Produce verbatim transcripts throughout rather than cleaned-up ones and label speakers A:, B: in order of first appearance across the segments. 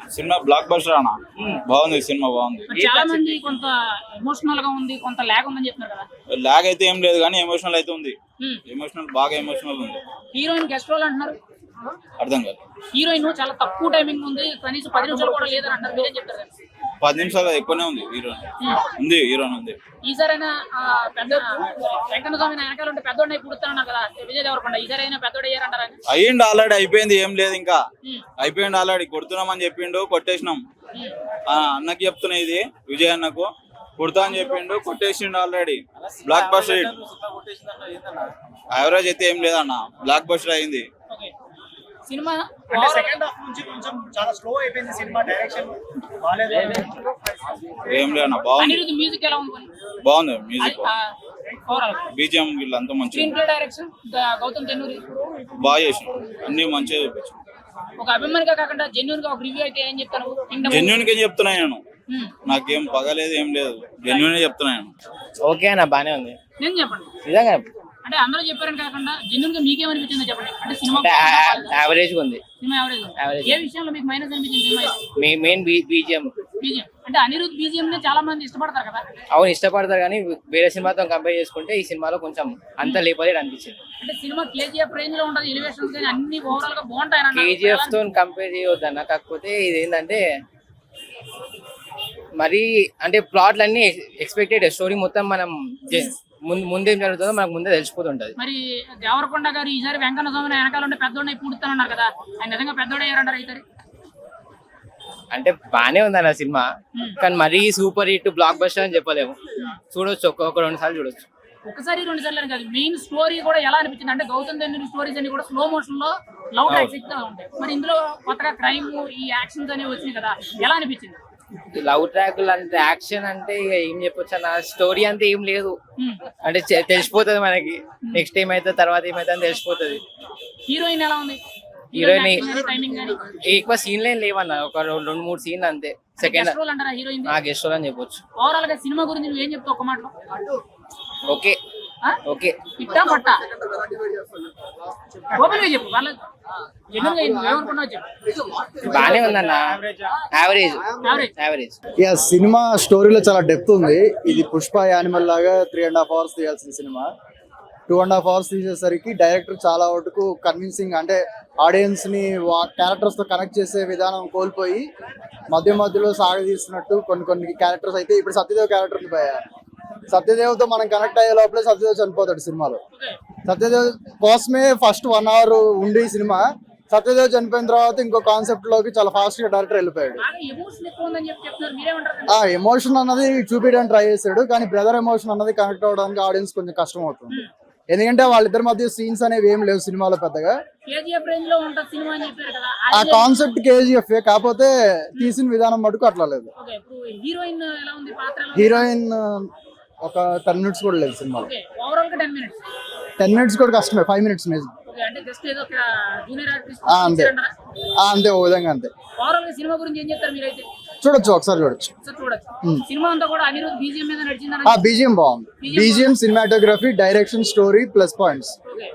A: Cinema block buster అన్న బాగుంది cinema బాగుంది.
B: చాలా మంది కొంత ఎమోషనల్ గా ఉంది, కొంత లాగ్ ఉందని చెప్తున్నారు కదా.
A: లాగ్ అయితే ఏం లేదు కానీ ఎమోషనల్ అయితే ఉంది. ఎమోషనల్ బాగా ఎమోషనల్ ఉంది.
B: హీరోయిన్ గెస్ట్ రోల్ అంటున్నారు,
A: అర్థం కాదు.
B: హీరోయిన్ చాలా తక్కువ టైమింగ్ ఉంది, కనీసం పది నిమిషాలు కూడా లేదని అంటారు, మీరేం చెప్తారు?
A: పది నిమిషాలు ఎక్కువనే ఉంది. హీరోయిన్ ఉంది, హీరోయిన్ ఉంది.
B: ఈసారైనా పెద్ద వెంకన్న స్వామి వెనకాల ఉంటే పెద్దోడిని పుడుతున్నారు కదా విజయ్ దేవరకొండ, ఈసారైనా పెద్దోడు అయ్యారంటారా?
A: అయ్యిండు ఆల్రెడీ, అయిపోయింది, ఏం లేదు ఇంకా అయిపోయింది ఆల్రెడీ. కొడుతున్నామని చెప్పిండు, కొట్టేసినాం. అన్నకి చెప్తున్నా, ఇది విజయ్ అన్నకు కుడతా అని చెప్పిండు, కొట్టేసిండు ఆల్రెడీ. బ్లాక్ బస్టర్ యావరేజ్ అయితే ఏం లేదన్న, బ్లాక్ బస్టర్ అయింది
B: సినిమా.
C: సెకండ్ హాఫ్ నుంచి కొంచెం చాలా స్లో అయిపోయింది సినిమా, డైరెక్షన్ బాలేదు.
A: ఏం లేదన్న, బాగుంది.
B: మ్యూజిక్ ఎలా ఉంది?
A: బాగుంది మ్యూజిక్, బీజిఎం వీళ్ళంతా మంచిగా.
B: Screenplay direction Gautam Tennuri
A: బాగా చేసిన, అన్ని మంచిగా చూపించు.
B: ఒక అభిమానిగా కాకుండా జెన్యూన్ గా ఒక రివ్యూ అయితే ఏం చెప్తాను?
A: జెన్యూన్ గా చెప్తున్నా నేను, నాకేం పగలేదు ఏం లేదు, జెన్యూన్ చెప్తున్నా నేను.
D: ఓకే అన్న, బానే ఉంది.
B: నేను చెప్పండి
D: నిజంగా
B: అంటే అందరూ చెప్పారని కాకుండా జెన్యూన్ గా మీకేమనిపించిందో చెప్పండి. అంటే సినిమా
D: యావరేజ్ గా ఉంది.
B: Cinema average. ఏ విషయంలో మీకు మైనస్ అనిపించింది సినిమా?
D: Main BGM.
B: బీజిఎం అంటే అనిరుద్ బీజిఎం ని చాలా మంది ఇష్టపడతారు కదా.
D: అవును ఇష్టపడతారు, కానీ వేరే సినిమాతో కంపేర్ చేసుకుంటే ఈ సినిమాలో కొంచెం అంత లేపలేదు అనిపించింది.
B: అంటే సినిమా కేజీఎఫ్ రేంజ్ లో ఉంటది, ఎలివేషన్స్ కానీ అన్ని ఓవరాల్ గా బాగుంటాయి.
D: కేజీఎఫ్ తో కంపేర్ చేయొద్దన్న, కాకపోతే ఇది ఏంటంటే మరి అంటే ప్లాట్లు అన్ని ఎక్స్పెక్టెడ్, స్టోరీ మొత్తం మనం ముందు ముందేం జరుగుతుందో మనకు ముందే తెలిసిపోతుంటది.
B: మరి దేవరకొండ గారు ఈసారి వెంకన్న స్వామి వెనకాల ఉంటే పెద్దోడిని పూడుతానన్నారు కదా, ఆయన నిజంగా పెద్దోడు అయ్యారంటారు అయితే?
D: అంటే బానే ఉంది అన్న సినిమా, కానీ మరీ సూపర్ హిట్ బ్లాక్ బస్టర్ అని చెప్పలేము. చూడొచ్చు, ఒక్కొక్క రెండు సార్లు చూడొచ్చు.
B: ఒకసారి రెండు సార్లు కాదు, మెయిన్ స్టోరీ కూడా ఎలా అనిపించింది అంటే గౌతమ్ తెన్నూరి స్టోరీస్ అన్ని కూడా స్లో మోషన్ లో లవ్ ట్రాక్స్ ఉంటాయి. మరి ఇందులో కొత్తగా క్రైమ్ ఈ యాక్షన్స్ అనేవి వచ్చినాయి కదా, ఎలా అనిపించింది?
D: లవ్ ట్రాక్లు అంటే యాక్షన్ అంటే ఇక ఏం చెప్పొచ్చు అన్న, స్టోరీ అంతా ఏం లేదు. అంటే తెలిసిపోతుంది మనకి, నెక్స్ట్ ఏమైతే తర్వాత ఏమైతే అని తెలిసిపోతుంది.
B: హీరోయిన్ ఎలా ఉంది?
D: హీరోయిన్ ఎక్కువ సీన్లు ఏం లేవన్న, ఒక రెండు మూడు సీన్లు అంతే. సెకండ్
B: రోల్ అంటారా హీరోయిన్?
D: గెస్ట్ రోల్ అని చెప్పొచ్చు.
B: ఓవరాల్ గా సినిమా గురించి నువ్వు ఏం చెప్తావు ఒక మాటలో?
D: ఓకే ఓకే
B: ఇట్టా పట్టా ఓపెన్ గా చెప్పు, వాళ్ళ
D: బానే ఉందన్న, యావరేజ్ యావరేజ్.
E: యా సినిమా స్టోరీలో చాలా డెప్త్ ఉంది. ఇది పుష్ప యానిమల్ లాగా త్రీ అండ్ హాఫ్ అవర్స్ తీయాల్సిన సినిమా టూ అండ్ హాఫ్ అవర్స్ తీసేసరికి డైరెక్టర్ చాలా వరకు కన్విన్సింగ్, అంటే ఆడియన్స్ ని క్యారెక్టర్స్ తో కనెక్ట్ చేసే విధానం కోల్పోయి మధ్య మధ్యలో సాగదీస్తున్నట్టు కొన్ని కొన్ని క్యారెక్టర్స్ అయితే. ఇప్పుడు సత్యదేవ్ క్యారెక్టర్ ఉంది భయ, సత్యదేవ్ తో మనం కనెక్ట్ అయ్యే లోపలే సత్యదేవ్ చనిపోతాడు సినిమాలో. సత్యదేవ్ కోసమే ఫస్ట్ వన్ అవర్ ఉండి సినిమా, సత్యదేవ్ చనిపోయిన తర్వాత ఇంకో కాన్సెప్ట్ లోకి చాలా ఫాస్ట్ గా డైరెక్టర్ వెళ్ళిపోయాడు. ఆ ఎమోషన్ అన్నది చూపించడానికి ట్రై చేశాడు, కానీ బ్రదర్ ఎమోషన్ అన్నది కనెక్ట్ అవ్వడానికి ఆడియన్స్ కొంచెం కష్టం అవుతుంది. ఎందుకంటే వాళ్ళిద్దరి మధ్య సీన్స్ అనేవి ఏం లేవు సినిమాలో పెద్దగా. ఆ కాన్సెప్ట్ కేజీఎఫ్, కాకపోతే తీసిన విధానం మటుకు అట్లా లేదు. హీరోయిన్ ఒక టెన్ మినిట్స్ కూడా లేదు సినిమాలో. టెన్ మినిట్స్ కూడా కష్టమే, ఫైవ్ మినిట్స్ మ్యూజిక్ అంతే అంతే ఓ విధంగా అంతే. చూడొచ్చు, ఒకసారి చూడొచ్చు. బీజిఎం బాగుంది, BGM, cinematography, direction, story plus points.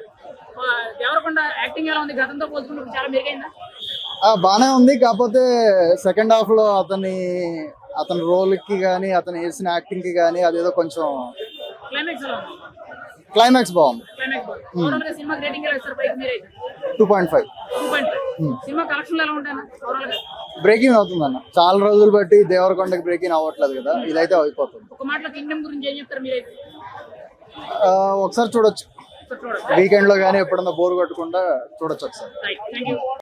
E: బానే ఉంది, కాకపోతే సెకండ్ హాఫ్ లో అతని అతని రోల్ కి గానీ అతను వేసిన యాక్టింగ్ కి గానీ అదేదో కొంచెం క్లైమాక్స్ బాగుంది. టూ పాయింట్ ఫైవ్ బ్రేకింగ్ అవుతుంది అన్న, చాలా రోజులు బట్టి దేవరకొండకి బ్రేకింగ్ అవ్వట్లేదు కదా, ఇదైతే అయిపోతుంది. ఒకసారి చూడొచ్చు, వీకెండ్ లో గానీ ఎప్పుడన్నా బోర్ కొట్టకుండా చూడొచ్చు ఒకసారి.